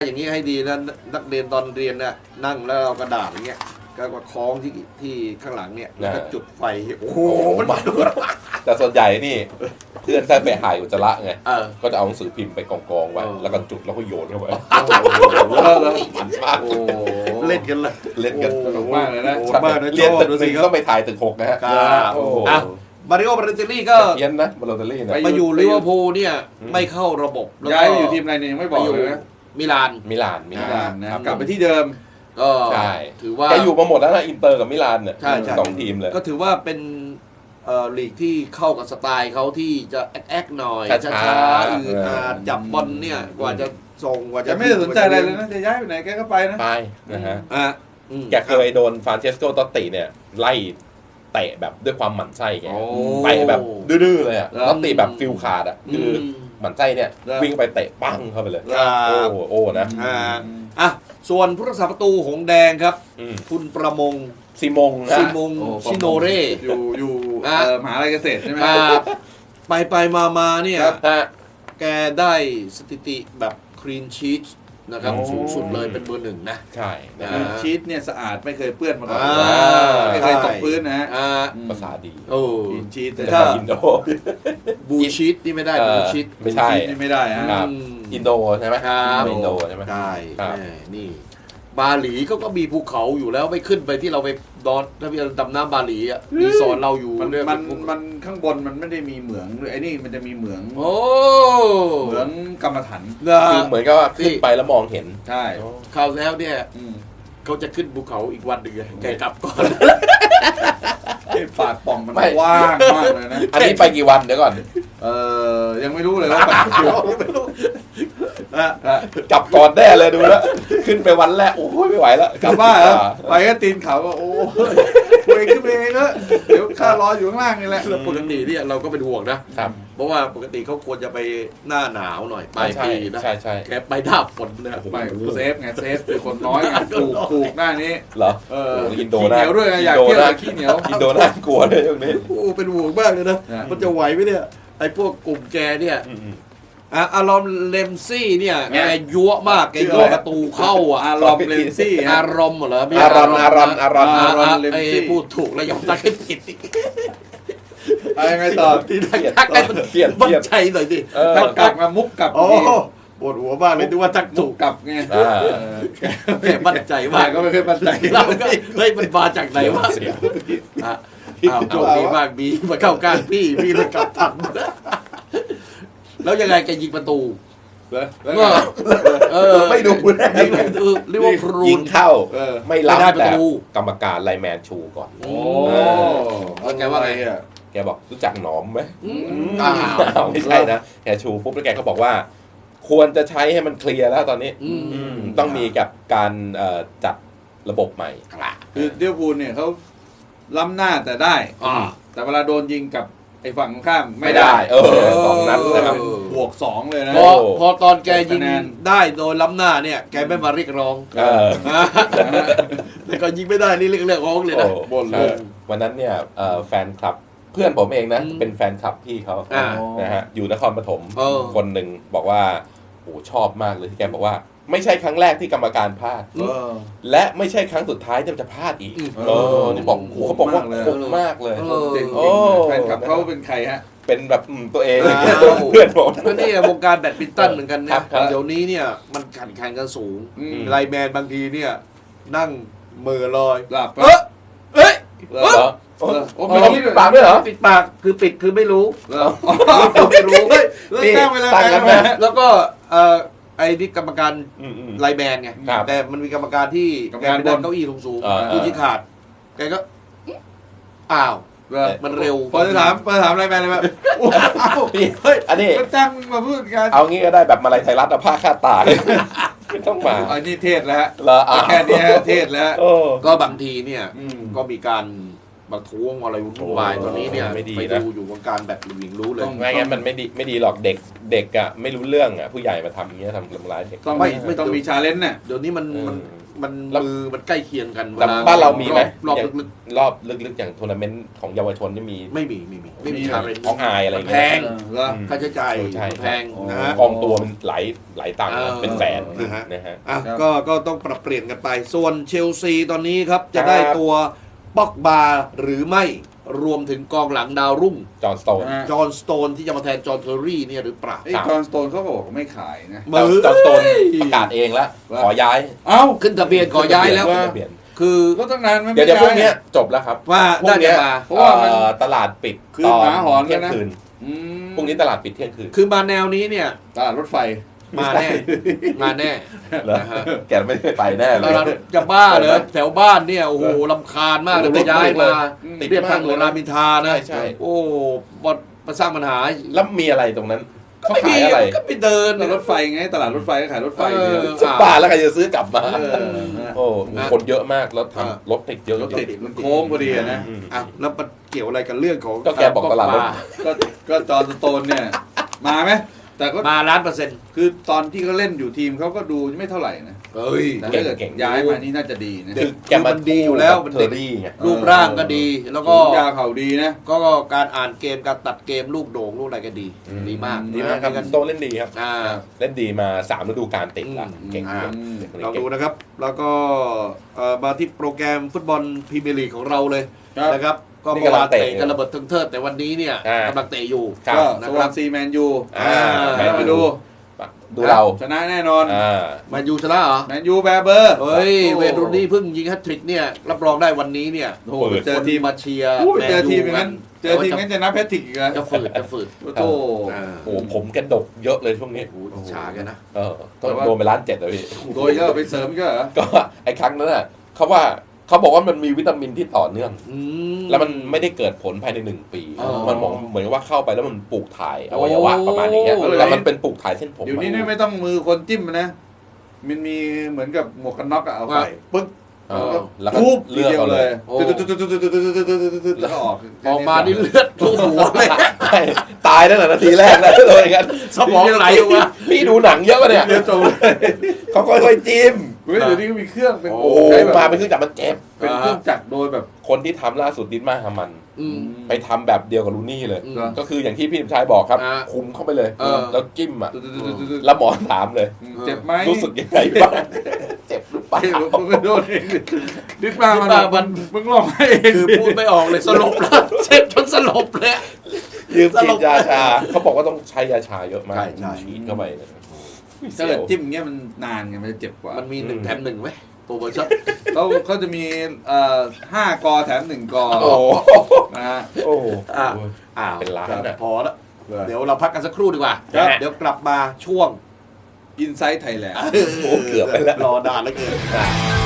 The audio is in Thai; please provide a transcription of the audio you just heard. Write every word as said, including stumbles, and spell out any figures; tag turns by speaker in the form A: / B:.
A: อย่างนี้ให้ดีนะนักเรียนตอนเรียนน่ะนั่งแล้วเรากระดาษอย่างเงี้ยก็มาคล้องที่ที่ข้างหลังเนี่ยแล้วก็จุดไฟโอ้โหมันมา
B: แต่ส่วนใหญ่นี่เพื่อนถ้าไปหายอุจจาระไงก็จะเอาหนังสือพิมพ์ไปกองๆไว้แล้วก็จุดแล้วก็โยนเข้าไปมันมาก
A: เล่นกันเลย
B: เล่นกัน
C: สนุกมากเลยนะ
B: เรียนตึกหนึ่งต้องไปถ่ายตึกหกนะฮะ
A: มาริโอบาเลนติลี่ก็
B: เพี้ยนนะบาเลนติลี่นะ
A: มาอยู่ลิเวอร์พูลเนี่ยไม่เข้าระบบ
C: ย้ายไปอยู่ทีมอะไรเนี่ยยังไม่บอกเลยนะ
A: มิลาน
B: มิลานมิ
C: ลานนะกลับไปที่เดิม
A: ก็
B: ใช่
A: ถือว่า
B: แกอยู่มาหมดแล้วนะอินเตอร์กับมิลานเนี่ยสองทีมเลย
A: ก็ถือว่าเป็นลีกที่เข้ากับสไตล์เขาที่จะแอ๊กหน่อยช้าๆอืดอาดจับบอลเนี่ยกว่าจะส่งกว่าจะ
C: ไม่สนใจอะไรเลยนะจะย้ายไปไหนแกก็ไปนะ
B: ไปนะฮะ
A: แก
B: เคยโดนฟรานเชสโก ตอตติเนี่ยไล่เตะแบบด้วยความหมั่นไส้แกไปแบบดื้อๆเลยอ่ะตอตติแบบฟิลขาดอ่ะคือหมั่นไส้เนี่ยวิ่งไปเตะปั้งเข้าไปเลยโอ้โอ้นะ
A: อ่ะส่วนผู้รักษาประตูหงแดงครับคุณประมง
B: ซิมง
A: ซิมงชิโนเร่
C: อยู่อยู่มหาลัยเกษตรใช่ไหม
A: ไปไปมามาเนี่ยแกได้สถิติแบบคลีนชีทนะครับสูงสุดเลยเป็นเบอร์หนึ่งนะ
B: ใช่
C: คลีนชีทเนี่ยสะอาดไม่เคยเปื้อนมาก่อนไม่เคยตกพื้นนะฮะ
B: ภาษาดี
A: โอ้
C: คลีนชีท
A: แต่
C: ถ้า
B: อินโด
A: บูชีทนี่ไม่ได้บูชีท
B: ไม่ใช่
C: นี่ไม่ได้ฮะ
B: อินโดใช่ไหมอินโดใช่ไหม
A: ใช่นี่บาหลีเขาก็มีภูเขาอยู่แล้วไม่ขึ้นไปที่เราไปดอนถ้าพี่ดำน้ำบาหลีอ่ะมีสอนเราอยู่
C: มันมันมันข้างบนมันไม่ได้มีเหมืองไอ้นี่มันจะมีเหมือง
A: โอ้
C: เหมืองกรรมฐาน
B: คือเหมือนกับว่าขึ้นไปแล้วมองเห็น
C: ใช่
A: คราวแล้วเนี่ยเขาจะขึ้นภูเขาอีกวันหนึ่งแกกลับก่อน
C: ปากป่องมันกว้างมากเลยนะ
B: อันนี้ไปกี่วันเดี๋ยวก่อน
C: เออยังไม่รู้เลยว่าไม่รู้
B: กลับก่อนแน่เลยดูแล้วขึ้นไปวันแรกโอ้ยไม่ไหวแล้ว
C: กลับบ้านแล้วไปก็ตีนเขาก็โอ้ยคุยขึ้นไปเองเนอะเดี๋ยวข้ารออยู่ข้างล่างนี่แหละ
A: ปกติเนี่ยเราก็เป็นห่วงนะเพราะว่าปกติเขาควรจะไปหน้าหนาวหน่อยปลายปีนะ
B: ใช่ใช่
A: แกไปหน้าฝนเนี่ย
C: ไปเซฟไงเซฟเป็นคนน้อยไงถูกถูกหน้านี้
B: เหรอ
C: เออ
B: อินโด
C: เหนียวด้วยอยากเที่ยวขี้เหนียว
B: อินโดน่ากลัวเลยตรงนี้
A: โอ้เป็นห่วงมากเลยนะมันจะไหวไหมเนี่ยไอ้พวกกลุ่มแกเนี่ยอารอมเลมซี่เนี่ยแกยั่วมากแกยั่วประตูเข้าอ่ะ
C: อารอมเลมซี่
A: อารมณ์เหรอ
B: อารมณ์อารมณ์อารมณ์
A: อารมณ์เลมซี่พูดถูกแล้วยอมตักให้ผิด
C: อะไรไงต่อ
A: ที่ทักให้มันเปลี่ยนมั่นใจหน่อยดิ
C: ทักกลับมามุกกลับ
A: โอ้ปวดหัวบ้างเลยดูว่าทักถูก
C: กลับไง
A: แกมั่นใจมาก
C: ก็ไม่เคยมั่นใจ
A: เราก็เฮ้ยมันมาจากไหนวะอ้าวโชคดีมากบีมาเข้าก้านพี่พี่เลยกลับทันแล้วยังไงแกยิงประตู
B: เออไม่ดู
A: เรียกว่าครู
B: ยิงเข้าไม่รับแต่กรรมการไลแมนชูก่อน
A: โอ้แล้วแกว่าไงอ่ะ
B: แกบอกรู้จักหนอมไหมไม่ใช่นะแกชูปุ๊บแล้วแกก็บอกว่าควรจะใช้ให้มันเคลียร์แล้วตอนนี้ต้องมีกับการจัดระบบใหม่
C: คือเดียวพูลเนี่ยเขาล้ำหน้าแต่ได้แต่เวลาโดนยิงกับไอ้ฝั่งข้ามไม่ได้
B: เออสองนัดนะครับ
C: บวกสองเลยนะ
A: พอพอตอนแกยิงได้โดยล้ำหน้าเนี่ยแกไม่มาเรียกร้องแต่ก็ยิงไม่ได้นี่เรียกเรียกร้องเลยนะ
B: บนเลยวันนั้นเนี่ยแฟนคลับเพื่อนผมเองนะเป็นแฟนคลับพี่เขานะฮะอยู่นครปฐมคนหนึ่งบอกว่าโอ้ชอบมากเลยที่แกบอกว่าไม่ใช่ครั้งแรกที่กรรมการพลาดและไม่ใช่ครั้งสุดท้ายที่จะพลาดอีกเออนี่บอกโอ้เขาบอกว่าคมมากเลย
C: จริงแฟนคลับเขาเป็นใครฮะ
B: เป็นแบบตัวเองเพื่อนผม
A: ก็นี่วงการแบดมินตันเหมือนกันเนี่ยเดี๋ยวนี้เนี่ยมันแข่งขันกันสูงไลแมนบางทีเนี่ยนั่งเมื่อลอย
C: หลับ
A: เอ้ยเอ้ย
B: โอ้มีปิดปากด้วยเหรอ
A: ปิดปากคือปิดคือไม่รู้
C: ไม่รู้เฮ้ยตั้งเวลา
A: แล้วก็เออไอ้นี่กรรมการไลแมนไงแต่มันมีกรรมการที่แกไปนั่งเก้าอี้สูงๆผู้ชี้ขาดแกก็อ้าวมันเร็ว
C: พอจะถามพอจะถามไลแมนเลยแบบ
B: เฮ้ยอันนี้
C: ก็จ้างมาพูดกัน
B: เอางี้ก็ได้แบบมาลัยไทยรัฐผ้าคาดตาไม่ต้องมา
C: อันนี้เทศแล้วแค่นี้เทศแล้ว
A: ก็บางทีเนี่ยก็มีการมาท้วงอะไรวุ่นวายตอนนี้เนี่ยไปดูอยู่วงการแบบหลิงรู้เลย
B: ไม่งั้นมันไม่ดีไม่ดีหรอกเด็กเด็กอ่ะไม่รู้เรื่องอ่ะผู้ใหญ่มาทำอย่างเงี้ยทำทำร้ายเด็ก
C: ต้องไม่ไม่ต้องมีชาเลนจ์เนี่ย
A: เดี๋ยวนี้มันมันมันมือมันใกล้เคียงกัน
B: แต่บ้านเรามีไหม
A: รอบลึก
B: รอบลึกๆอย่างทัวร์นาเมนต์ของเยาวชนนี่มี
A: ๆไม่มีไม่มีไม่มีชาเลนจ์
B: ของอายอะไร
A: แพ
B: เงี้ย
A: ง
C: แล้ว
A: ค่าใช้จ่าย
B: ใช่
A: แพงนะฮะ
B: กองตัวมันหลายหลายตังค์
A: เออ
B: เป็นแสน
A: นะฮะ
B: นะฮะ
A: อ่ะ
C: ครับ
A: ก็ก็ต้องปรับเปลี่ยนกันไป ส่วนเชลซีตอนนี้ครับจะ
B: ครับ
A: ได้ตัวป็อกบาหรือไม่รวมถึงกองหลังดาวรุ่ง
B: จอห์นสโตน
C: อ่า
A: จอห์นสโตนที่จะมาแทนจอห์นเทอร์รี่เนี่ยหรือเปล่า
C: ไอ้จอห์นสโตนเขาก็บอกว่าไม่ขายนะ
B: จอห์นจอห์นสโตนประกาศเองแล้ว
C: ว่า
B: ขอย้าย
C: เอ้า
A: ขึ้นทะเบียนขอย้ายแล้ว
B: ขึ้นทะเบียน
A: คือ
C: ก็ตั้งนานมัน
B: เดี๋ยว
C: ไม่
B: เดี๋ยวพรุ่ง
C: ย้า
B: เนี้ยจบแล้วครับ
A: ว่า
B: พรุ่
A: น่าง
B: เนี้
A: จะ
B: ย
A: มา
C: เพราะว่ามัน
B: เอ่อตลาดปิด
C: คืน
B: ตอน
C: หมาหอน
B: เที่ยง
C: แล้วนะ
B: คืน
C: อืม
B: พรุ่งนี้ตลาดปิดเที่ยงคืน
A: คือมาแนวนี้เนี่ย
C: ตลาดรถไฟ
A: มาแน่มาแน่
B: เหรอ
A: นะฮะ
B: แกไม่ได้ไปแน่เล
A: แล้ว
B: ย
A: เราจะบ้าเลยแถวบ้านเนี่ยโอ้โหลำคาญมากเลย
B: โอ้
A: ไป
B: โห
A: ย้ายมา
B: ติด
A: เรียบทาง
B: มาก
A: หล
B: เล
A: วย ง
B: นะ
A: รามอินทรานะ
B: ใช่ใช่
A: โอ้บอมาสร้างปัญหา
B: แล้วมีอะไรตรงนั้น
A: ก็
B: เขา
A: ไม่มี
B: ขายอะไร
A: ก็ไปเดิน
C: ตลาดรถไฟไงตลาดรถไฟก็ขายรถไฟ
A: เออ
C: เนี่ย
B: สิบบาทแล้วใครจะซื้อกลับมา
C: เออนะ
B: โอ้คนเยอะมากแล้ว
A: อ่า
B: ทำรถติดเยอะ
C: รถติด
B: จริง
C: มันโค้งพอดีอะนะ
B: อืม
A: อ่ะแล้วมันเกี่ยวอะไรกับเรื่องของ
B: ก็แกบอกตลาดรถ
C: ก็ก็จอห์นสโตนเนี่ยมาไหมแต่ก็
A: มาล้านเปอร์เซ็นต์
C: คือตอนที่เขาเล่นอยู่ทีมเขาก็ดูไม่เท่าไหร่นะ
A: เฮ้ย
C: แต่ถ้าเกิด
B: เก่งๆ
C: ย้ายมานี่น่าจะดีนะ
B: คือแกมา
A: มันดีอยู่แล้วมัน
B: เท
A: เด็
B: อก ร์รี่ไง
A: รูปร่างก็ดี แล้วก็
C: สูงยาวเข่าดีนะ
A: ก็การอ่านเกมการตัดเกมลูกโด่งลูกอะไรก็ดี
B: อืม
A: ดีมาก
B: ดีมากครับ
A: นะ
B: โตเล่นดีครับ
A: อ่า
B: เล่นดีมาสามฤดูกาลติดละ
A: อืม
B: เก่ง
A: อ่า
B: เก่งเด็กคนนี้
A: เรา
B: เก่
A: ดู
B: ง
A: นะครับ แล้วก็เอ่อมาที่โปรแกรมฟุตบอลพรีเมียร์ลีกของเราเลย
C: ครับ
A: นะครับ ก็
B: นี่
A: เมื่อก
B: ำลั
A: วาง น
B: เตะ
A: เตะกันระเบิดทึงเทิดแต่วันนี้เนี่ย
B: อ่าก
A: ำลังเตะอยู่
B: ครับ
C: ก็
A: นะ
C: ส
A: ครั
C: วา
A: บ
C: นซีแมนยู
B: อ่า
C: แมนยูดู
B: ดูเรา
C: ชนะแน่นอน
B: อ่า
A: แมายูชนะเหรอ
C: แมนยูแบร์เบอร์
A: เฮ้ย
C: โอ้
A: เวย์นรูนี่เพิ่งยิงแฮตทริกเนี่ยรับรองได้วันนี้เนี่ย
C: โอ้โหเจอทีม
A: มาเชียร์
C: โอ้ย
A: แมน
C: เจอ
A: ยู
C: ทีมอย่างนั้น เจอทีมงั้นจะนับแพทริกอีกเหรอ
A: จะฝืดจะฝืด
C: โอ้โห
A: อ่า
B: โอ้โหผมแกดกเยอะเลยช่วงนี้
A: โอ้โหอิจฉากันนะ
B: เออก็โดนไปล้านเจ็ดเลยพี่
C: โดยก็ไปเสริมก็เหรอ
B: ก็ไอ้ครั้งนั้นน่ะเขาว่าเขาบอกว่ามันมีวิตามินที่ต่อเนื่อง
A: อืม
B: แล้วมันไม่ได้เกิดผลภายในหนึ่งปี
A: อ๋อ
B: มันมองเหมือนว่าเข้าไปแล้วมันปลูกถ่ายอวัยวะประมาณนี้
A: โอ้
B: แล้วมันเป็นปลูกถ่ายเส้นผม
C: เดี๋ยวนี้นี่ไม่ต้องมือคนจิ้มนะ มันมีเหมือนกับหมวกกันน็อกอะเอาไปปึ๊ก
B: เออแล้วก็
C: ทุบ
B: เลือกเอาเลย
A: โอ้
C: แล้วก็ออก
A: ออกมานี่เลือดท่วมหัวเลย
B: ตายตั้งแต่นาทีแรกแล้วเลยกัน
A: สมองไหลออกมา
B: พี่ดูหนังเยอะปะเนี่ย
C: เดียวจบเลย
B: เขาค่อยๆจิ้ม
C: เฮ้ยเดี๋ยวนี้ก็มีเครื่องเป็น
B: โอ้โห
C: ใช้แบบ
B: มาเป็นเครื่องจักรมันเจ็บ
C: เป็นเครื่องจักรโดยแบบ
B: คนที่ทำล่าสุดดินมาฮามัน
A: อืม
B: ไปทำแบบเดียวกับลูนี่เลย
A: อืม
B: ก็คืออย่างที่พี่สมชายบอกครับ
A: อ่า
B: คุมเข้าไปเลย
A: เออ
B: แล้วจิ้มอ่ะ แล้วหมอถามเลย
C: เจ็บไหม
B: รู้สึกยังไงบ้างเจ็บหรือเปล่า
C: เฮ้ยมึงก็โดนเองดิดมามัน
A: ดิดมามัน
C: มึงร้องให้เอง
A: คือพูดไม่ออกเลยสลบแล้วเจ็บจนสลบเลย
B: ยืม
A: ส
B: ฉี
A: ล
B: ด
A: บ
B: ยาชา เขาบอกว่าต้องใช้ยาชาเยอะมาก
A: ใช่ใช่
B: ฉีดเข้าไปเลย
C: ถ้าเกิดจิ้มอย่างเงี้ยมันนานไงมันจะเจ็บกว่า
A: มันมีหนึ่งแถมหนึ่งไหมโปรโมชั่น
C: เขาเขาจะมีเอ่อห้ากอแถมหนึ่งกอ
B: โอ้โห
C: นะฮะ
B: โอ้โห
A: อ่ะอ้าว
B: เป็นล้านอะ
A: พอแล้วเดี๋ยวเราพักกันสักครู่ดีกว่า
C: ครับ
A: เดี๋ยวกลับมาช่วง
C: อินไซต์ไทยแลนด์
B: โอ้โหเกือบไปแล้ว
A: รอนานแล้วเกิน